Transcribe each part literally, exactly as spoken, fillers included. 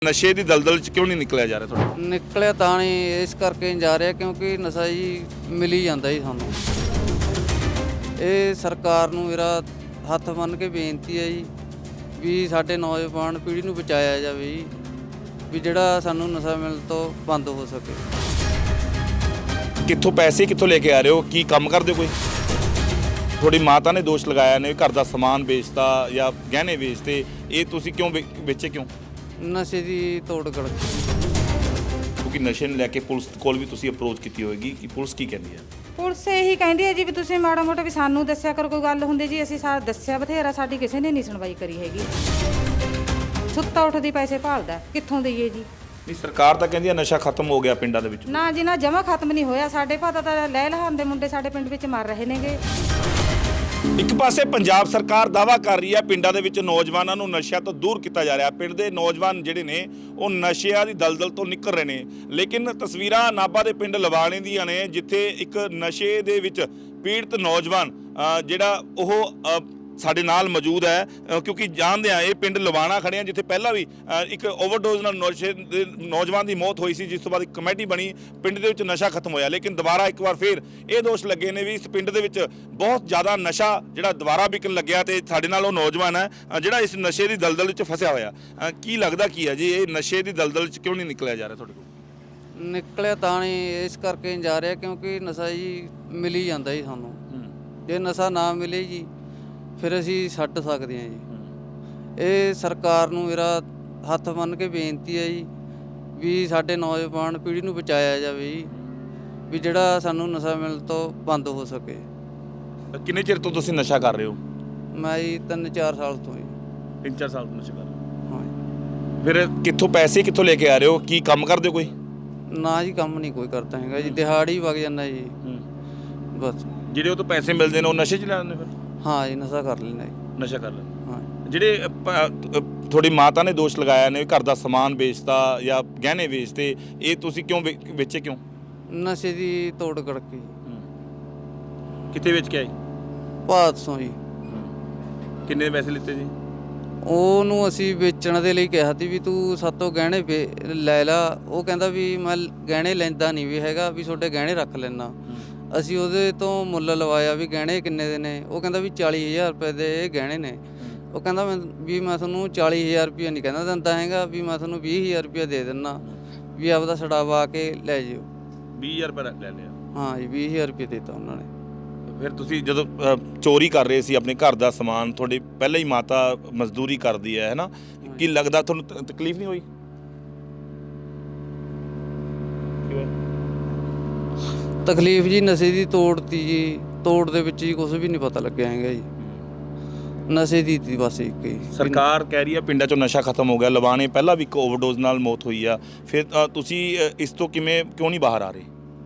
ਨਸ਼ੇ ਦੀ ਦਲਦਲ ਚ ਕਿਉਂ ਨਹੀਂ ਨਿਕਲਿਆ ਜਾ ਰਿਹਾ ਤੁਹਾਡਾ? ਨਿਕਲਿਆ ਤਾਂ ਨਹੀਂ ਇਸ ਕਰਕੇ ਨਹੀਂ ਜਾ ਰਿਹਾ ਕਿਉਂਕਿ ਨਸ਼ਾ ਜੀ ਮਿਲ ਹੀ ਜਾਂਦਾ ਜੀ ਸਾਨੂੰ। ਇਹ ਸਰਕਾਰ ਨੂੰ ਮੇਰਾ ਹੱਥ ਬੰਨ੍ਹ ਕੇ ਬੇਨਤੀ ਹੈ ਜੀ ਵੀ ਸਾਡੇ ਨੌਜਵਾਨ ਪੀੜ੍ਹੀ ਨੂੰ ਬਚਾਇਆ ਜਾਵੇ ਜੀ, ਵੀ ਜਿਹੜਾ ਸਾਨੂੰ ਨਸ਼ਾ ਮਿਲਣ ਤੋਂ ਬੰਦ ਹੋ ਸਕੇ। ਕਿੱਥੋਂ ਪੈਸੇ ਕਿੱਥੋਂ ਲੈ ਕੇ ਆ ਰਹੇ ਹੋ? ਕੀ ਕੰਮ ਕਰਦੇ ਹੋ ਕੋਈ? ਤੁਹਾਡੀ ਮਾਤਾ ਨੇ ਦੋਸ਼ ਲਗਾਇਆ ਨੇ ਘਰ ਦਾ ਸਮਾਨ ਵੇਚਤਾ ਜਾਂ ਗਹਿਣੇ ਵੇਚਤੇ, ਇਹ ਤੁਸੀਂ ਕਿਉਂ ਵੇ- ਵੇਚੇ ਕਿਉਂ? ਨਸ਼ੇ ਦੀ ਤੋੜ ਕੜ ਕਿਉਂਕਿ ਨਸ਼ੇ ਨੂੰ ਲੈ ਕੇ ਪੁਲਿਸ ਕੋਲ ਵੀ ਤੁਸੀਂ ਅਪਰੋਚ ਕੀਤੀ ਹੋਏਗੀ ਕਿ ਪੁਲਿਸ ਕੀ ਕਹਿੰਦੀ ਹੈ? ਪੁਲਿਸ ਇਹੀ ਕਹਿੰਦੀ ਹੈ ਜੀ ਵੀ ਤੁਸੀਂ ਮਾੜਾ ਮੋਟਾ ਵੀ ਸਾਨੂੰ ਦੱਸਿਆ ਕਰੋ, ਕੋਈ ਗੱਲ ਹੁੰਦੀ ਜੀ ਅਸੀਂ ਸਾਰਾ ਦੱਸਿਆ ਬਥੇਰਾ, ਸਾਡੀ ਕਿਸੇ ਨੇ ਨਹੀਂ ਸੁਣਵਾਈ ਕਰੀ ਹੈਗੀ। ਸੁੱਤਾ ਉੱਠਦੀ ਪੈਸੇ ਭਾਲਦਾ, ਕਿੱਥੋਂ ਦਈਏ ਜੀ? ਨਹੀਂ, ਸਰਕਾਰ ਤਾਂ ਕਹਿੰਦੀ ਹੈ ਨਸ਼ਾ ਖਤਮ ਹੋ ਗਿਆ ਪਿੰਡਾਂ ਦੇ ਵਿੱਚ। ਨਾ ਜੀ ਨਾ, ਜਮਾ ਖਤਮ ਨਹੀਂ ਹੋਇਆ। ਸਾਡੇ ਭਾਤਾ ਤਾਂ ਲੈ ਲਹਾਨ ਦੇ ਮੁੰਡੇ ਸਾਡੇ ਪਿੰਡ ਵਿੱਚ ਮਰ ਰਹੇ ਨੇਗੇ। ਇੱਕ ਪਾਸੇ ਪੰਜਾਬ ਸਰਕਾਰ ਦਾਅਵਾ ਕਰ ਰਹੀ ਹੈ ਪਿੰਡਾਂ ਦੇ ਵਿੱਚ ਨੌਜਵਾਨਾਂ ਨੂੰ ਨਸ਼ਿਆਂ ਤੋਂ ਦੂਰ ਕੀਤਾ ਜਾ ਰਿਹਾ। ਪਿੰਡ ਦੇ ਨੌਜਵਾਨ ਜਿਹੜੇ ਨੇ ਉਹ ਨਸ਼ਿਆਂ ਦੀ ਦਲਦਲ ਤੋਂ ਨਿਕਲ ਰਹੇ ਨੇ, ਲੇਕਿਨ ਤਸਵੀਰਾਂ ਨਾਭਾ ਦੇ ਪਿੰਡ ਲਵਾਣੇ ਦੀਆਂ ਨੇ ਜਿੱਥੇ ਇੱਕ ਨਸ਼ੇ ਦੇ ਵਿੱਚ ਪੀੜਤ ਨੌਜਵਾਨ ਅ, ਜਿਹੜਾ ਉਹ ਅ, ਸਾਡੇ ਨਾਲ ਮੌਜੂਦ ਹੈ ਅ, ਕਿਉਂਕਿ ਜਾਣਦੇ ਆ ਇਹ ਪਿੰਡ ਲਵਾਣਾ ਖੜੇ ਆ ਜਿੱਥੇ ਪਹਿਲਾਂ ਵੀ ਅ, ਇੱਕ ਓਵਰਡੋਜ਼ ਨਾਲ ਨਸ਼ੇ ਦੇ ਨੌਜਵਾਨ ਦੀ ਮੌਤ ਹੋਈ ਸੀ, ਜਿਸ ਤੋਂ ਬਾਅਦ ਇੱਕ ਕਮੇਟੀ ਬਣੀ, ਪਿੰਡ ਦੇ ਵਿੱਚ ਨਸ਼ਾ ਖਤਮ ਹੋਇਆ। ਲੇਕਿਨ ਦੁਬਾਰਾ ਇੱਕ ਵਾਰ ਫਿਰ ਇਹ ਦੋਸ਼ ਲੱਗੇ ਨੇ ਵੀ ਇਸ ਪਿੰਡ ਦੇ ਵਿੱਚ ਬਹੁਤ ਜ਼ਿਆਦਾ ਨਸ਼ਾ ਜਿਹੜਾ ਦੁਬਾਰਾ ਵਿਕਣ ਲੱਗਿਆ ਤੇ ਸਾਡੇ ਨਾਲ ਉਹ ਨੌਜਵਾਨ ਹੈ ਅ, ਜਿਹੜਾ ਇਸ ਨਸ਼ੇ ਦੀ ਦਲਦਲ ਵਿੱਚ ਫਸਿਆ ਹੋਇਆ। ਅ, ਕੀ ਲੱਗਦਾ ਕੀ ਹੈ ਜੀ ਇਹ ਨਸ਼ੇ ਦੀ ਦਲਦਲ ਵਿੱਚ ਕਿਉਂ ਨਹੀਂ ਨਿਕਲਿਆ ਜਾ ਰਿਹਾ ਤੁਹਾਡੇ ਕੋਲ? ਨਿਕਲਿਆ ਤਾਂ ਨਹੀਂ ਇਸ ਕਰਕੇ ਨਹੀਂ ਜਾ ਰਿਹਾ ਕਿਉਂਕਿ ਨਸ਼ਾ ਜੀ ਮਿਲ ਹੀ ਜਾਂਦਾ ਜੀ ਸਾਨੂੰ। ਜੇ ਨਸ਼ਾ ਨਾ ਮਿਲੇ ਜੀ ਫਿਰ ਅਸੀਂ ਛੱਡ ਸਕਦੇ ਹਾਂ ਜੀ। ਇਹ ਸਰਕਾਰ ਨੂੰ ਮੇਰਾ ਹੱਥ ਬੰਨ੍ਹ ਕੇ ਬੇਨਤੀ ਹੈ ਜੀ ਵੀ ਸਾਡੇ ਨੌਜਵਾਨ ਪੀੜ੍ਹੀ ਨੂੰ ਬਚਾਇਆ ਜਾਵੇ ਜੀ, ਵੀ ਜਿਹੜਾ ਸਾਨੂੰ ਨਸ਼ਾ ਮਿਲਣ ਤੋਂ ਬੰਦ ਹੋ ਸਕੇ। ਕਿੰਨੇ ਚਿਰ ਤੋਂ ਤੁਸੀਂ ਨਸ਼ਾ ਕਰ ਰਹੇ ਹੋ? ਮੈਂ ਜੀ ਤਿੰਨ ਚਾਰ ਸਾਲ ਤੋਂ ਜੀ। ਤਿੰਨ ਚਾਰ ਸਾਲ ਤੋਂ ਨਸ਼ਾ ਕਰ ਰਹੇ ਹੋ। ਹਾਂ ਜੀ। ਫਿਰ ਕਿੱਥੋਂ ਪੈਸੇ ਕਿੱਥੋਂ ਲੈ ਕੇ ਆ ਰਹੇ ਹੋ? ਕੀ ਕੰਮ ਕਰਦੇ ਹੋ ਕੋਈ? ਨਾ ਜੀ ਕੰਮ ਨਹੀਂ ਕੋਈ ਕਰਦਾ ਹੈਗਾ ਜੀ, ਦਿਹਾੜੀ ਵਗ ਜਾਂਦਾ ਜੀ ਬਸ। ਜਿਹੜੇ ਉਹ ਤੋਂ ਪੈਸੇ ਮਿਲਦੇ ਨੇ ਉਹ ਨਸ਼ੇ 'ਚ ਲੈ ਲੈਂਦੇ ਫਿਰ? ਹਾਂ ਜੀ, ਨਸ਼ਾ ਕਰ ਲੈਂਦਾ ਜੀ। ਨਸ਼ਾ ਕਰ ਲੈਂਦੇ। ਹਾਂ ਜਿਹੜੇ ਅ, ਪ- ਅ, ਤੁਹਾਡੀ ਮਾਤਾ ਨੇ ਦੋਸ਼ ਲਗਾਇਆ ਨੇ ਘਰ ਦਾ ਸਮਾਨ ਵੇਚਤਾ ਜਾਂ ਗਹਿਣੇ ਵੇਚਤੇ, ਇਹ ਤੁਸੀਂ ਕਿਉਂ ਵੇ- ਵੇਚੇ ਕਿਉਂ? ਨਸ਼ੇ ਦੀ ਤੋੜ ਕੜਕੀ ਕਿੱਥੇ ਵੇਚ ਕੇ ਆਏ? ਭਾਦਸੋਂ ਜੀ। ਕਿੰਨੇ ਪੈਸੇ ਲਿੱਤੇ ਜੀ? ਉਹਨੂੰ ਅਸੀਂ ਵੇਚਣ ਦੇ ਲਈ ਕਿਹਾ ਸੀ ਵੀ ਤੂੰ ਸਾਤੋਂ ਗਹਿਣੇ ਵੇ- ਲੈ ਲਾ। ਉਹ ਕਹਿੰਦਾ ਵੀ ਮੈਂ ਗਹਿਣੇ ਲੈਂਦਾ ਨਹੀਂ ਵੀ ਹੈਗਾ, ਵੀ ਤੁਹਾਡੇ ਗਹਿਣੇ ਰੱਖ ਲੈਣਾ। ਅਸੀਂ ਉਹਦੇ ਤੋਂ ਮੁੱਲ ਲਵਾਇਆ ਵੀ ਗਹਿਣੇ ਕਿੰਨੇ ਦੇ ਨੇ? ਉਹ ਕਹਿੰਦਾ ਵੀ ਚਾਲੀ ਹਜ਼ਾਰ ਰੁਪਏ ਦੇ ਇਹ ਗਹਿਣੇ ਨੇ। ਉਹ ਕਹਿੰਦਾ ਮੈਂ ਵੀ ਮੈਂ ਤੁਹਾਨੂੰ ਚਾਲੀ ਹਜ਼ਾਰ ਰੁਪਇਆ ਨਹੀਂ ਕਹਿੰਦਾ ਦਿੰਦਾ ਹੈਗਾ, ਵੀ ਮੈਂ ਤੁਹਾਨੂੰ ਵੀਹ ਹਜ਼ਾਰ ਰੁਪਇਆ ਦੇ ਦਿੰਦਾ, ਵੀ ਆਪਦਾ ਛਡਾਵਾ ਕੇ ਲੈ ਜਿਓ। ਵੀਹ ਹਜ਼ਾਰ ਰੁਪਏ ਲੈ ਲਿਆ। ਹਾਂ ਜੀ, ਵੀਹ ਹਜ਼ਾਰ ਰੁਪਇਆ ਦਿੱਤਾ ਉਹਨਾਂ ਨੇ। ਫਿਰ ਤੁਸੀਂ ਜਦੋਂ ਅ, ਚੋਰੀ ਕਰ ਰਹੇ ਸੀ ਆਪਣੇ ਘਰ ਦਾ ਸਮਾਨ, ਤੁਹਾਡੀ ਪਹਿਲਾਂ ਹੀ ਮਾਤਾ ਮਜ਼ਦੂਰੀ ਕਰਦੀ ਹੈ ਹੈ ਨਾ, ਕੀ ਲੱਗਦਾ ਤੁਹਾਨੂੰ ਤ- ਤਕਲੀਫ ਨਹੀਂ ਹੋਈ? ਤਕਲੀਫ ਜੀ ਨਸ਼ੇ ਦੀ ਤੋੜ ਤੀ ਜੀ, ਤੋੜ ਦੇ ਵਿੱਚ ਜੀ ਕੁਝ ਵੀ ਨਹੀਂ ਪਤਾ ਲੱਗਿਆ ਹੈਗਾ ਜੀ। ਨਸ਼ੇ ਦੀ ਤੀ ਬਸ ਇੱਕ ਹੀ। ਸਰਕਾਰ ਕਹਿ ਰਹੀ ਹੈ ਪਿੰਡਾਂ 'ਚੋਂ ਨਸ਼ਾ ਖਤਮ ਹੋ ਗਿਆ। ਲਵਾਣੇ ਪਹਿਲਾਂ ਵੀ ਇੱਕ ਓਵਰਡੋਜ਼ ਨਾਲ ਮੌਤ ਹੋਈ ਆ, ਫਿਰ ਅ, ਤੁਸੀਂ ਅ, ਇਸ ਤੋਂ ਕਿਵੇਂ ਕਿਉਂ ਨਹੀਂ ਬਾਹਰ ਆ ਰਹੇ?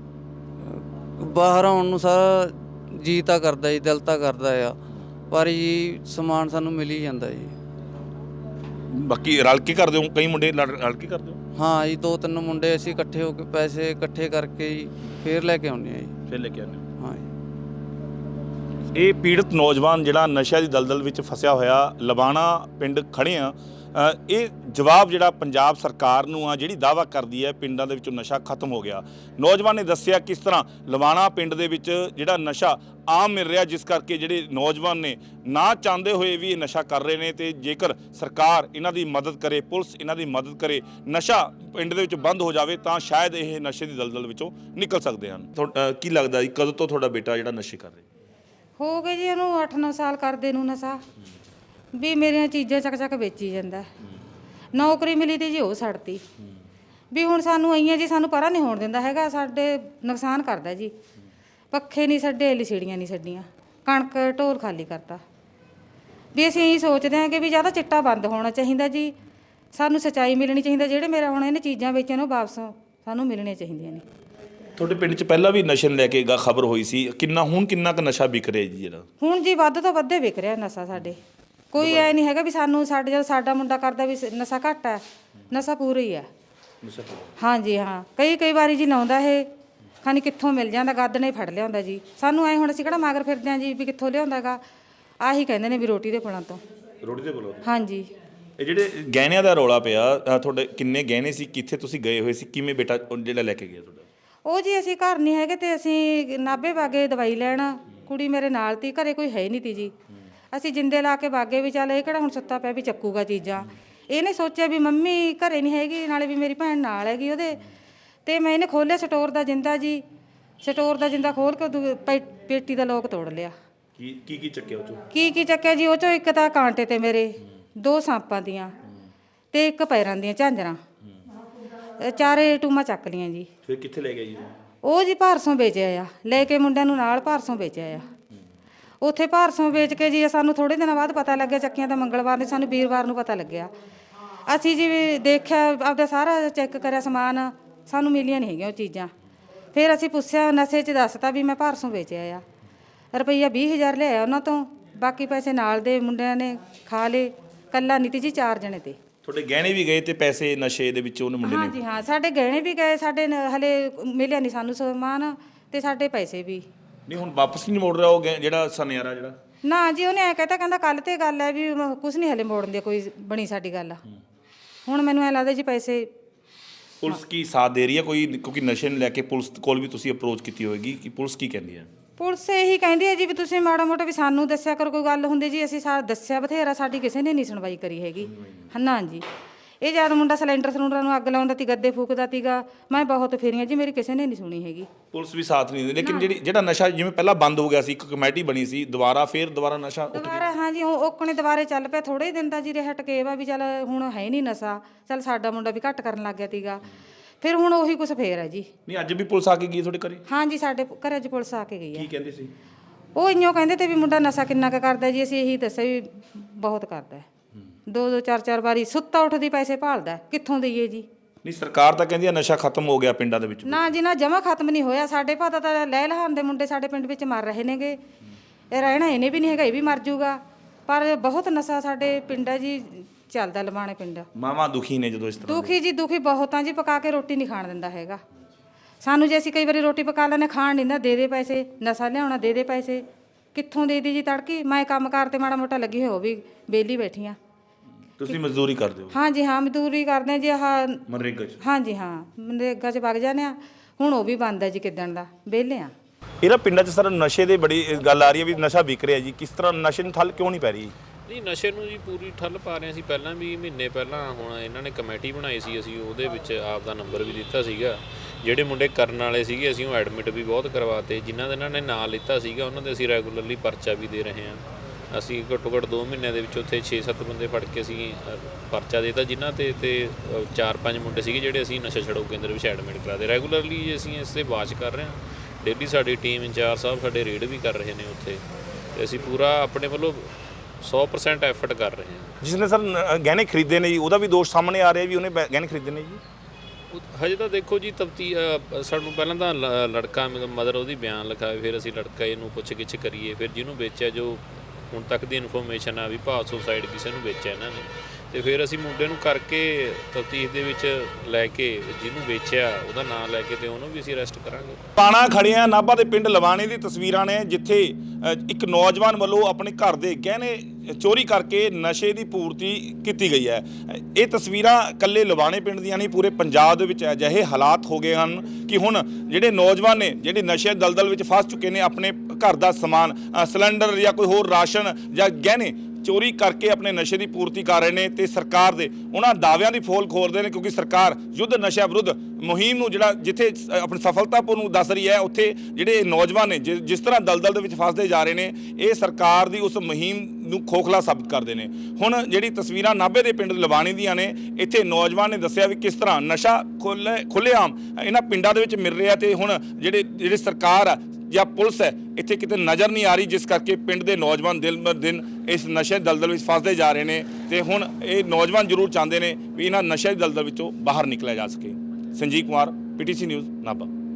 ਬਾਹਰ ਆਉਣ ਨੂੰ ਸਾਰਾ ਜੀ ਤਾਂ ਕਰਦਾ ਜੀ, ਦਿਲ ਤਾਂ ਕਰਦਾ ਆ, ਪਰ ਜੀ ਸਮਾਨ ਸਾਨੂੰ ਮਿਲ ਹੀ ਜਾਂਦਾ ਜੀ। ਬਾਕੀ ਰਲ ਕੇ ਕਰਦੇ ਹੋ? ਕਈ ਮੁੰਡੇ ਲੜ- ਰਲ ਕੇ ਕਰਦੇ ਹੋ? ਹਾਂ ਜੀ, ਦੋ ਤਿੰਨ ਮੁੰਡੇ ਅਸੀਂ ਇਕੱਠੇ ਹੋ ਕੇ ਪੈਸੇ ਇਕੱਠੇ ਕਰਕੇ ਜੀ ਫੇਰ ਲੈ ਕੇ ਆਉਂਦੇ ਆ ਜੀ। ਫਿਰ ਲੈ ਕੇ ਆਉਂਦੇ ਹੋ? ਹਾਂ ਜੀ। ਇਹ ਪੀੜਤ ਨੌਜਵਾਨ ਜਿਹੜਾ ਨਸ਼ਿਆਂ ਦੀ ਦਲਦਲ ਵਿੱਚ ਫਸਿਆ ਹੋਇਆ, ਲਵਾਣਾ ਪਿੰਡ ਖੜੇ ਆ, ਅ, ਇਹ ਜਵਾਬ ਜਿਹੜਾ ਪੰਜਾਬ ਸਰਕਾਰ ਨੂੰ ਆ ਜਿਹੜੀ ਦਾਅਵਾ ਕਰਦੀ ਹੈ ਪਿੰਡਾਂ ਦੇ ਵਿੱਚੋਂ ਨਸ਼ਾ ਖਤਮ ਹੋ ਗਿਆ। ਨੌਜਵਾਨ ਨੇ ਦੱਸਿਆ ਕਿਸ ਤਰ੍ਹਾਂ ਲਵਾਣਾ ਪਿੰਡ ਦੇ ਵਿੱਚ ਜਿਹੜਾ ਨਸ਼ਾ ਆਮ ਮਿਲ ਰਿਹਾ, ਜਿਸ ਕਰਕੇ ਜਿਹੜੇ ਨੌਜਵਾਨ ਨੇ ਨਾ ਚਾਹੁੰਦੇ ਹੋਏ ਵੀ ਇਹ ਨਸ਼ਾ ਕਰ ਰਹੇ ਨੇ, ਤੇ ਜੇਕਰ ਸਰਕਾਰ ਇਹਨਾਂ ਦੀ ਮਦਦ ਕਰੇ, ਪੁਲਿਸ ਇਹਨਾਂ ਦੀ ਮਦਦ ਕਰੇ, ਨਸ਼ਾ ਪਿੰਡ ਦੇ ਵਿੱਚ ਬੰਦ ਹੋ ਜਾਵੇ ਤਾਂ ਸ਼ਾਇਦ ਇਹ ਨਸ਼ੇ ਦੀ ਦਲਦਲ ਵਿੱਚੋਂ ਨਿਕਲ ਸਕਦੇ ਹਨ। ਤੁਹਾ- ਅ, ਕੀ ਲੱਗਦਾ ਜੀ ਕਦੋਂ ਤੋਂ ਤੁਹਾਡਾ ਬੇਟਾ ਜਿਹੜਾ ਨਸ਼ੇ ਕਰ ਰਿਹਾ? ਹੋ ਗਏ ਜੀ ਉਹਨੂੰ ਅੱਠ ਨੌ ਸਾਲ ਕਰਦੇ ਨੂੰ ਨਸ਼ਾ, ਵੀ ਮੇਰੀਆਂ ਚੀਜ਼ਾਂ ਚੱਕ ਚੱਕ ਵੇਚੀ ਜਾਂਦਾ। ਨੌਕਰੀ ਮਿਲੀ ਤੀ ਜੀ ਉਹ ਛੱਡਤੀ, ਵੀ ਹੁਣ ਸਾਨੂੰ ਆਈਆਂ ਜੀ ਸਾਨੂੰ ਪਰਾਂ ਨਹੀਂ ਹੋਣ ਦਿੰਦਾ ਹੈਗਾ, ਸਾਡੇ ਨੁਕਸਾਨ ਕਰਦਾ ਜੀ। ਪੱਖੇ ਨਹੀਂ ਛੱਡੇ, ਲਿਸੀੜੀਆਂ ਨਹੀਂ ਛੱਡੀਆਂ, ਕਣਕ ਢੋਲ ਖਾਲੀ ਕਰਤਾ। ਵੀ ਅਸੀਂ ਇਹੀ ਸੋਚਦੇ ਹਾਂ ਕਿ ਵੀ ਜਾਂ ਤਾਂ ਚਿੱਟਾ ਬੰਦ ਹੋਣਾ ਚਾਹੀਦਾ ਜੀ, ਸਾਨੂੰ ਸੱਚਾਈ ਮਿਲਣੀ ਚਾਹੀਦੀ। ਜਿਹੜੇ ਮੇਰਾ ਹੁਣ ਇਹਨੇ ਚੀਜ਼ਾਂ ਵੇਚੀਆਂ ਉਹ ਵਾਪਸ ਸਾਨੂੰ ਮਿਲਣੀਆਂ ਚਾਹੀਦੀਆਂ ਨੇ। ਤੁਹਾਡੇ ਪਿੰਡ 'ਚ ਪਹਿਲਾਂ ਵੀ ਨਸ਼ੇ ਨੂੰ ਲੈ ਕੇ ਗਾ ਖਬਰ ਹੋਈ ਸੀ, ਕਿੰਨਾ ਹੁਣ ਕਿੰਨਾ ਕੁ ਨਸ਼ਾ ਵਿਕ ਰਿਹਾ ਜੀ ਜਿਹੜਾ? ਹੁਣ ਜੀ ਵੱਧ ਤੋਂ ਵੱਧੇ ਵਿਕ ਰਿਹਾ ਨਸ਼ਾ ਸਾਡੇ। ਕੋਈ ਐ ਨਹੀਂ ਹੈਗਾ ਵੀ ਸਾਨੂੰ ਸਾਡੇ ਜਦੋਂ ਸਾਡਾ ਮੁੰਡਾ ਕਰਦਾ ਵੀ ਨਸ਼ਾ ਘੱਟ ਹੈ, ਨਸ਼ਾ ਪੂਰਾ ਹੀ ਹੈ। ਹਾਂਜੀ ਹਾਂ, ਕਈ ਕਈ ਵਾਰੀ ਜੀ ਲਾਉਂਦਾ ਇਹ ਖਾਨੀ ਕਿੱਥੋਂ ਮਿਲ ਜਾਂਦਾ, ਗੱਦ ਨੇ ਫੜ ਲਿਆਉਂਦਾ ਜੀ। ਸਾਨੂੰ ਐ ਹੁਣ ਅਸੀਂ ਕਿਹੜਾ ਮਗਰ ਫਿਰਦੇ ਹਾਂ ਜੀ ਵੀ ਕਿੱਥੋਂ ਲਿਆਉਂਦਾ ਗਾ। ਆਹੀ ਕਹਿੰਦੇ ਨੇ ਵੀ ਰੋਟੀ ਦੇ ਪੁਲਾਂ ਤੋਂ। ਰੋਟੀ ਦੇ ਪੁਲਾਂ ਤੋਂ? ਹਾਂਜੀ। ਇਹ ਜਿਹੜੇ ਗਹਿਣਿਆਂ ਦਾ ਰੌਲਾ ਪਿਆ ਅ, ਤੁਹਾਡੇ ਕਿੰਨੇ ਗਹਿਣੇ ਸੀ, ਕਿੱਥੇ ਤੁਸੀਂ ਗਏ ਹੋਏ ਸੀ, ਕਿਵੇਂ ਬੇਟਾ ਉਹ ਜਿਹੜਾ ਲੈ ਕੇ ਗਿਆ ਤੁਹਾਡਾ? ਉਹ ਜੀ ਅਸੀਂ ਘਰ ਨਹੀਂ ਹੈਗੇ ਤੇ ਅਸੀਂ ਨਾਭੇ ਬਾਗੇ ਦਵਾਈ ਲੈਣ, ਕੁੜੀ ਮੇਰੇ ਨਾਲ ਤੀ, ਘਰੇ ਕੋਈ ਹੈ ਨਹੀਂ ਤੀ ਜੀ। ਅਸੀਂ ਜਿੰਦੇ ਲਾ ਕੇ ਬਾਗੇ ਵੀ ਚੱਲ ਇਹ ਕਿਹੜਾ ਹੁਣ ਸੁੱਤਾ ਪਿਆ ਵੀ ਚੱਕੂਗਾ ਚੀਜ਼ਾਂ। ਇਹਨੇ ਸੋਚਿਆ ਵੀ ਮੰਮੀ ਘਰੇ ਨਹੀਂ ਹੈਗੀ, ਨਾਲੇ ਵੀ ਮੇਰੀ ਭੈਣ ਨਾਲ ਹੈਗੀ ਉਹਦੇ, ਤੇ ਮੈਂ ਇਹਨੇ ਖੋਲ੍ਹਿਆ ਸਟੋਰ ਦਾ ਜਿੰਦਾ ਜੀ। ਸਟੋਰ ਦਾ ਜਿੰਦਾ ਖੋਲ ਕੇ ਦੂ- ਪੇ- ਪੇਟੀ ਦਾ ਲੋਕ ਤੋੜ ਲਿਆ। ਕੀ ਕੀ ਕੀ ਚੱਕਿਆ ਉਹ ਚੋਂ? ਕੀ ਕੀ ਚੱਕਿਆ ਜੀ? ਉਹ ਚੋਂ ਇੱਕ ਤਾਂ ਕਾਂਟੇ ਤੇ ਮੇਰੇ ਦੋ ਸਾਂਪਾਂ ਦੀਆਂ ਤੇ ਇੱਕ ਪੈਰਾਂ ਦੀਆਂ ਝਾਂਜਰਾਂ, ਇਹ ਚਾਰੇ ਟੂਮਾਂ ਚੱਕ ਲੀਆਂ ਜੀ। ਫਿਰ ਕਿੱਥੇ ਲੈ ਗਏ ਜੀ? ਉਹ ਜੀ ਭਾਰਸੋਂ ਵੇਚਿਆ ਆ, ਲੈ ਕੇ ਮੁੰਡਿਆਂ ਨੂੰ ਨਾਲ ਭਾਰਸੋਂ ਵੇਚਿਆ ਆ। ਉੱਥੇ ਭਾਰਸੋਂ ਵੇਚ ਕੇ ਜੀ ਸਾਨੂੰ ਥੋੜੇ ਦਿਨਾਂ ਬਾਅਦ ਪਤਾ ਲੱਗਿਆ, ਚੱਕੀਆਂ ਤਾਂ ਮੰਗਲਵਾਰ ਨੂੰ, ਸਾਨੂੰ ਵੀਰਵਾਰ ਨੂੰ ਪਤਾ ਲੱਗਿਆ। ਅਸੀਂ ਜੀ ਵੀ ਦੇਖਿਆ, ਆਪਦਾ ਸਾਰਾ ਚੈੱਕ ਕਰਿਆ ਸਮਾਨ, ਸਾਨੂੰ ਮਿਲੀਆਂ ਨਹੀਂ ਹੈਗੀਆਂ ਉਹ ਚੀਜ਼ਾਂ। ਫਿਰ ਅਸੀਂ ਪੁੱਛਿਆ, ਨਸ਼ੇ 'ਚ ਦੱਸਤਾ ਵੀ ਮੈਂ ਭਾਰਸੋਂ ਵੇਚਿਆ ਆ। ਰੁਪਈਆ ਵੀਹ ਹਜ਼ਾਰ ਲਿਆਇਆ ਉਹਨਾਂ ਤੋਂ, ਬਾਕੀ ਪੈਸੇ ਨਾਲ ਦੇ ਮੁੰਡਿਆਂ ਨੇ ਖਾ ਲਏ, ਕੱਲਾ ਨਹੀਂ ਤੀ ਜੀ, ਚਾਰ ਜਣੇ ਤੇ। ਤੁਹਾਡੇ ਗਹਿਣੇ ਵੀ ਗਏ ਤੇ ਪੈਸੇ ਨਸ਼ੇ ਦੇ ਵਿੱਚ ਉਹਨੇ ਮੁੰਡੇ ਨੇ? ਹਾਂਜੀ ਹਾਂ, ਸਾਡੇ ਗਹਿਣੇ ਵੀ ਗਏ, ਸਾਡੇ ਨ- ਹਲੇ ਮਿਲਿਆ ਨਹੀਂ ਸਾਨੂੰ ਸਮਾਨ, ਤੇ ਸਾਡੇ ਪੈਸੇ ਵੀ। ਨਹੀਂ ਹੁਣ ਵਾਪਸ ਨਹੀਂ ਮੋੜ ਰਿਹਾ ਉਹ ਗਹਿ- ਜਿਹੜਾ ਸੁਨਿਆਰਾ ਜਿਹੜਾ? ਨਾ ਜੀ, ਉਹਨੇ ਐ ਕਹਤਾ, ਕਹਿੰਦਾ ਕੱਲ ਤੇ ਗੱਲ ਹੈ ਵੀ ਕੁਝ ਨਹੀਂ ਹਲੇ ਮੋੜਨ ਦੀ ਕੋਈ ਬਣੀ ਸਾਡੀ ਗੱਲ। ਹੁਣ ਮੈਨੂੰ ਐ ਲੱਗਦਾ ਜੀ ਪੈਸੇ। ਪੁਲਿਸ ਕੀ ਸਾਥ ਦੇ ਰਹੀ ਹੈ ਕੋਈ? ਕਿਉਂਕਿ ਨਸ਼ੇ ਨੂੰ ਲੈ ਕੇ ਪੁਲਿਸ ਕੋਲ ਵੀ ਤੁਸੀਂ ਅਪਰੋਚ ਕੀਤੀ ਹੋਏਗੀ, ਕਿ ਪੁਲਿਸ ਕੀ ਕਹਿੰਦੀ ਹੈ? ਪੁਲਿਸ ਇਹੀ ਕਹਿੰਦੀ ਹੈ ਜੀ ਵੀ ਤੁਸੀਂ ਮਾੜਾ ਮੋਟਾ ਵੀ ਸਾਨੂੰ ਦੱਸਿਆ ਕਰੋ, ਕੋਈ ਗੱਲ ਹੁੰਦੀ ਜੀ। ਅਸੀਂ ਸਾਰਾ ਦੱਸਿਆ ਬਥੇਰਾ, ਸਾਡੀ ਕਿਸੇ ਨੇ ਨਹੀਂ ਸੁਣਵਾਈ ਕਰੀ ਹੈਗੀ। ਹਾਂ ਜੀ, ਇਹ ਜਦ ਮੁੰਡਾ ਸਿਲੰਡਰ ਸਿਲੰਡਰਾਂ ਨੂੰ ਅੱਗ ਲਾਉਂਦਾ ਤੀ, ਗੱਦੇ ਫੂਕਦਾ ਤੀਗਾ, ਮੈਂ ਬਹੁਤ ਫੇਰੀਆਂ ਜੀ, ਮੇਰੀ ਕਿਸੇ ਨੇ ਨਹੀਂ ਸੁਣੀ ਹੈਗੀ। ਪੁਲਿਸ ਵੀ ਸਾਥ ਨਹੀਂ ਦਿੰਦੀ। ਲੇਕਿਨ ਜਿਹੜੀ ਜਿਹੜਾ ਨਸ਼ਾ ਜਿਵੇਂ ਪਹਿਲਾਂ ਬੰਦ ਹੋ ਗਿਆ ਸੀ, ਇੱਕ ਕਮੇਟੀ ਬਣੀ ਸੀ, ਦੁਬਾਰਾ ਫੇਰ ਦੁਬਾਰਾ ਨਸ਼ਾ ਉੱਠ ਗਿਆ। ਦੁਬਾਰਾ ਹਾਂ ਜੀ, ਉਹ ਓਕਣੇ ਦੁਬਾਰੇ ਚੱਲ ਪਿਆ। ਥੋੜੇ ਦਿਨ ਦਾ ਜੀ ਰਿਹਾ ਟਕੇਵਾ ਵੀ, ਚੱਲ ਹੁਣ ਹੈ ਨਹੀਂ ਨਸ਼ਾ, ਚੱਲ ਸਾਡਾ ਮੁੰਡਾ ਵੀ ਘੱਟ ਕਰਨ ਲੱਗ ਗਿਆ ਤੀਗਾ। ਫਿਰ ਹੁਣ ਉਹੀ ਕੁਛ ਫੇਰ ਹੈ ਜੀ। ਨਹੀਂ ਅੱਜ ਵੀ ਪੁਲਿਸ ਆ ਕੇ ਗਈ ਤੁਹਾਡੇ ਘਰੇ? ਹਾਂ ਜੀ, ਸਾਡੇ ਘਰੇ 'ਚ ਪੁਲਿਸ ਆ ਕੇ ਗਈ ਹੈ। ਕੀ ਕਹਿੰਦੇ ਸੀ? ਉਹ ਇੰਨੋਂ ਕਹਿੰਦੇ ਤੇ ਵੀ ਮੁੰਡਾ ਨਸ਼ਾ ਕਿੰਨਾ ਕੁ ਕਰਦਾ ਜੀ। ਅਸੀਂ ਇਹੀ ਦੱਸਿਆ ਵੀ ਬਹੁਤ ਕਰਦਾ, ਦੋ ਦੋ ਚਾਰ ਚਾਰ ਵਾਰੀ ਸੁੱਤਾ ਉੱਠਦੀ ਪੈਸੇ ਭਾਲਦਾ, ਕਿੱਥੋਂ ਦਈਏ ਜੀ? ਨਹੀਂ ਸਰਕਾਰ ਤਾਂ ਕਹਿੰਦੀ ਆ ਨਸ਼ਾ ਖਤਮ ਹੋ ਗਿਆ ਪਿੰਡਾਂ ਦੇ ਵਿੱਚ। ਨਾ ਜੀ ਨਾ, ਜਮਾ ਖਤਮ ਨਹੀਂ ਹੋਇਆ। ਸਾਡੇ ਪਤਾ ਤਾਂ ਲੈ ਲਹਾਨ ਦੇ ਮੁੰਡੇ ਸਾਡੇ ਪਿੰਡ ਵਿੱਚ ਮਰ ਰਹੇ ਨੇਗੇ, ਇਹ ਰਹਿਣਾ ਇਹਨੇ ਵੀ ਨਹੀਂ ਹੈਗਾ, ਇਹ ਵੀ ਮਰ ਜੂਗਾ। ਪਰ ਬਹੁਤ ਨਸ਼ਾ ਸਾਡੇ ਪਿੰਡ ਹੈ ਜੀ, ਚੱਲਦਾ ਲਮਾਣੇ ਪਿੰਡ। ਮਾਵਾਂ ਦੁਖੀ ਨੇ ਜਦੋਂ ਇਸ ਤਰ੍ਹਾਂ? ਦੁਖੀ ਜੀ, ਦੁਖੀ ਬਹੁਤ ਆ ਜੀ। ਪਕਾ ਕੇ ਰੋਟੀ ਨਹੀਂ ਖਾਣ ਦਿੰਦਾ ਹੈਗਾ ਸਾਨੂੰ। ਜੇ ਅਸੀਂ ਕਈ ਵਾਰੀ ਰੋਟੀ ਪਕਾ ਲੈਂਦੇ, ਖਾਣ ਨਹੀਂ ਦਿੰਦਾ, ਦੇ ਦੇ ਪੈਸੇ, ਨਸ਼ਾ ਲਿਆਉਣਾ, ਦੇ ਦੇ ਪੈਸੇ, ਕਿੱਥੋਂ ਦੇ ਦੀ ਜੀ? ਤੜਕੀ ਮੈਂ ਕੰਮ ਕਾਰ ਤੇ ਮਾੜਾ ਮੋਟਾ ਲੱਗੀ ਹੋ ਵੀ ਵਿਹਲੀ ਬੈਠੀ ਆ। ਤੁਸੀਂ ਮਜ਼ਦੂਰੀ ਕਰਦੇ ਹੋ? ਹਾਂ ਜੀ ਹਾਂ, ਮਜ਼ਦੂਰੀ ਕਰਦੇ ਹਾਂ ਜੀ। ਆਹ ਮਨਰੇਗਾ 'ਚ? ਹਾਂ ਜੀ ਹਾਂ, ਮਨਰੇਗਾ 'ਚ ਵਗ ਜਾਂਦੇ ਆ। ਹੁਣ ਉਹ ਵੀ ਬੰਦ ਹੈ ਜੀ, ਕਿੱਦਣ ਦਾ ਵਿਹਲੇ ਆ। ਇਹਦਾ ਪਿੰਡਾਂ 'ਚ ਸਰ ਨਸ਼ੇ ਦੀ ਬੜੀ ਗੱਲ ਆ ਰਹੀ ਹੈ ਵੀ ਨਸ਼ਾ ਵਿਕ ਰਿਹਾ ਜੀ, ਕਿਸ ਤਰ੍ਹਾਂ ਨਸ਼ੇ ਨੂੰ ਠੱਲ ਕਿਉਂ ਨਹੀਂ ਪੈ ਰਹੀ? ਨਹੀਂ, ਨਸ਼ੇ ਨੂੰ ਜੀ ਪੂਰੀ ਠੱਲ ਪਾ ਰਹੇ ਸੀ ਪਹਿਲਾਂ ਵੀ। ਮਹੀਨੇ ਪਹਿਲਾਂ ਹੁਣ ਇਹਨਾਂ ਨੇ ਕਮੇਟੀ ਬਣਾਈ ਸੀ, ਅਸੀਂ ਉਹਦੇ ਵਿੱਚ ਆਪ ਦਾ ਨੰਬਰ ਵੀ ਦਿੱਤਾ ਸੀਗਾ। ਜਿਹੜੇ ਮੁੰਡੇ ਕਰਨ ਵਾਲੇ ਸੀਗੇ ਅਸੀਂ ਉਹ ਐਡਮਿਟ ਵੀ ਬਹੁਤ ਕਰਵਾਤੇ। ਜਿਨ੍ਹਾਂ ਦੇ ਇਹਨਾਂ ਨੇ ਨਾਂ ਲਿੱਤਾ ਸੀਗਾ ਉਹਨਾਂ ਦੇ ਅਸੀਂ ਰੈਗੂਲਰਲੀ ਪਰਚਾ ਵੀ ਦੇ ਰਹੇ ਹਾਂ। ਅਸੀਂ ਘੱਟੋ ਘੱਟ ਦੋ ਮਹੀਨਿਆਂ ਦੇ ਵਿੱਚ ਉੱਥੇ ਛੇ ਸੱਤ ਬੰਦੇ ਫੜ ਕੇ ਅਸੀਂ ਅ, ਪਰਚਾ ਦੇਤਾ, ਜਿਨ੍ਹਾਂ 'ਤੇ ਤੇ ਅ, ਚਾਰ ਪੰਜ ਮੁੰਡੇ ਸੀਗੇ ਜਿਹੜੇ ਅਸੀਂ ਨਸ਼ਾ ਛਡਾਊ ਕੇਂਦਰ ਵਿੱਚ ਐਡਮਿਟ ਕਰਾਤੇ। ਰੈਗੂਲਰਲੀ ਅਸੀਂ ਇਸ 'ਤੇ ਵਾਚ ਕਰ ਰਹੇ ਹਾਂ। ਡੇਲੀ ਸਾਡੀ ਟੀਮ ਇੰਚਾਰਜ ਸਾਹਿਬ ਸਾਡੇ ਰੇਡ ਵੀ ਕਰ ਰਹੇ ਨੇ ਉੱਥੇ, ਤੇ ਅਸੀਂ ਪੂਰਾ ਆਪਣੇ ਵੱਲੋਂ ਸੌ ਪਰਸੈਂਟ ਐਫਰਟ ਕਰ ਰਹੇ ਹਾਂ। ਜਿਸ ਨੇ ਸਰ ਨ- ਗਹਿਣੇ ਖਰੀਦੇ ਨੇ ਜੀ, ਉਹਦਾ ਵੀ ਦੋਸ਼ ਸਾਹਮਣੇ ਆ ਰਿਹਾ ਵੀ ਉਹਨੇ ਬੈ- ਗਹਿਣੇ ਖਰੀਦੇ ਨੇ ਜੀ। ਉਹ- ਹਜੇ ਤਾਂ ਦੇਖੋ ਜੀ, ਤਫਤੀ ਸਾਨੂੰ ਪਹਿਲਾਂ ਤਾਂ ਲ- ਲੜਕਾ ਮਦਰ ਉਹਦੀ ਬਿਆਨ ਲਿਖਾਏ, ਫਿਰ ਅਸੀਂ ਲੜਕਾ ਇਹਨੂੰ ਪੁੱਛ ਗਿੱਛ ਕਰੀਏ, ਫਿਰ ਜਿਹਨੂੰ ਵੇਚਿਆ, ਜੋ ਹੁਣ ਤੱਕ ਦੀ ਇਨਫੋਰਮੇਸ਼ਨ ਆ ਵੀ ਭਾਸੋ ਸਾਈਡ ਕਿਸੇ ਨੂੰ ਵੇਚਿਆ ਇਹਨਾਂ ਨੇ, ਤੇ ਫਿਰ ਅਸੀਂ ਮੁੰਡੇ ਨੂੰ ਕਰਕੇ ਤਫਤੀਸ਼ ਦੇ ਵਿੱਚ ਲੈ ਕੇ ਜਿਹਨੂੰ ਵੇਚਿਆ ਉਹਦਾ ਨਾਮ ਲੈ ਕੇ ਤੇ ਉਹਨੂੰ ਵੀ ਅਸੀਂ ਅਰੈਸਟ ਕਰਾਂਗੇ। ਪਾਣਾ ਖੜੇ ਆ ਨਾਭਾ ਦੇ ਪਿੰਡ ਲਵਾਣੇ ਦੀ ਤਸਵੀਰਾਂ ਨੇ, ਜਿੱਥੇ ਅ, ਇੱਕ ਨੌਜਵਾਨ ਵੱਲੋਂ ਆਪਣੇ ਘਰ ਦੇ ਗਹਿਣੇ ਚੋਰੀ ਕਰਕੇ ਨਸ਼ੇ ਦੀ ਪੂਰਤੀ ਕੀਤੀ ਗਈ ਹੈ। ਇਹ ਤਸਵੀਰਾਂ ਇਕੱਲੇ ਲਵਾਣੇ ਪਿੰਡ ਦੀਆਂ ਨਹੀਂ, ਪੂਰੇ ਪੰਜਾਬ ਦੇ ਵਿੱਚ ਅਜਿਹੇ ਹਾਲਾਤ ਹੋ ਗਏ ਹਨ ਕਿ ਹੁਣ ਜਿਹੜੇ ਨੌਜਵਾਨ ਨੇ ਜਿਹੜੇ ਨਸ਼ੇ ਦਲਦਲ ਵਿੱਚ ਫਸ ਚੁੱਕੇ ਨੇ, ਆਪਣੇ ਘਰ ਦਾ ਸਮਾਨ, ਅ, ਸਿਲੰਡਰ ਜਾਂ ਕੋਈ ਹੋਰ ਰਾਸ਼ਨ ਜਾਂ ਗਹਿਣੇ ਚੋਰੀ ਕਰਕੇ ਆਪਣੇ ਨਸ਼ੇ ਦੀ ਪੂਰਤੀ ਕਰ ਰਹੇ ਨੇ, ਤੇ ਸਰਕਾਰ ਦੇ ਉਹਨਾਂ ਦਾਅਵਿਆਂ ਦੀ ਫੋਲ ਖੋਲਦੇ ਨੇ। ਕਿਉਂਕਿ ਸਰਕਾਰ ਯੁੱਧ ਨਸ਼ਾ ਵਿਰੁੱਧ ਮੁਹਿੰਮ ਨੂੰ ਜਿਹੜਾ ਜਿੱਥੇ ਆਪਣੀ ਸਫਲਤਾਪੂਰਨ ਦੱਸ ਰਹੀ ਹੈ, ਉੱਥੇ ਜਿਹੜੇ ਨੌਜਵਾਨ ਨੇ ਜਿ- ਜਿਸ ਤਰ੍ਹਾਂ ਦਲਦਲ ਦੇ ਵਿੱਚ ਫਸਦੇ ਜਾ ਰਹੇ ਨੇ, ਇਹ ਸਰਕਾਰ ਦੀ ਉਸ ਮੁਹਿੰਮ ਨੂੰ ਖੋਖਲਾ ਸਾਬਿਤ ਕਰਦੇ ਨੇ। ਹੁਣ ਜਿਹੜੀ ਤਸਵੀਰਾਂ ਨਾਭੇ ਦੇ ਪਿੰਡ ਲਵਾਣੀ ਦੀਆਂ ਨੇ, ਇੱਥੇ ਨੌਜਵਾਨ ਨੇ ਦੱਸਿਆ ਵੀ ਕਿਸ ਤਰ੍ਹਾਂ ਨਸ਼ਾ ਖੁੱਲ੍ਹੇ ਖੁੱਲ੍ਹੇਆਮ ਇਹਨਾਂ ਪਿੰਡਾਂ ਦੇ ਵਿੱਚ ਮਿਲ ਰਿਹਾ, ਤੇ ਹੁਣ ਜਿਹੜੇ ਜਿਹੜੀ ਸਰਕਾਰ ਆ ਜਾਂ ਪੁਲਿਸ ਹੈ ਇੱਥੇ ਕਿਤੇ ਨਜ਼ਰ ਨਹੀਂ ਆ ਰਹੀ, ਜਿਸ ਕਰਕੇ ਪਿੰਡ ਦੇ ਨੌਜਵਾਨ ਦਿਨ ਬ ਦਿਨ ਇਸ ਨਸ਼ੇ ਦਲਦਲ ਵਿੱਚ ਫਸਦੇ ਜਾ ਰਹੇ ਨੇ। ਤੇ ਹੁਣ ਇਹ ਨੌਜਵਾਨ ਜ਼ਰੂਰ ਚਾਹੁੰਦੇ ਨੇ ਵੀ ਇਹਨਾਂ ਨਸ਼ੇ ਦਲਦਲ ਵਿੱਚੋਂ ਬਾਹਰ ਨਿਕਲਿਆ ਜਾ ਸਕੇ। Sanjeev Kumar, PTC news Nabha.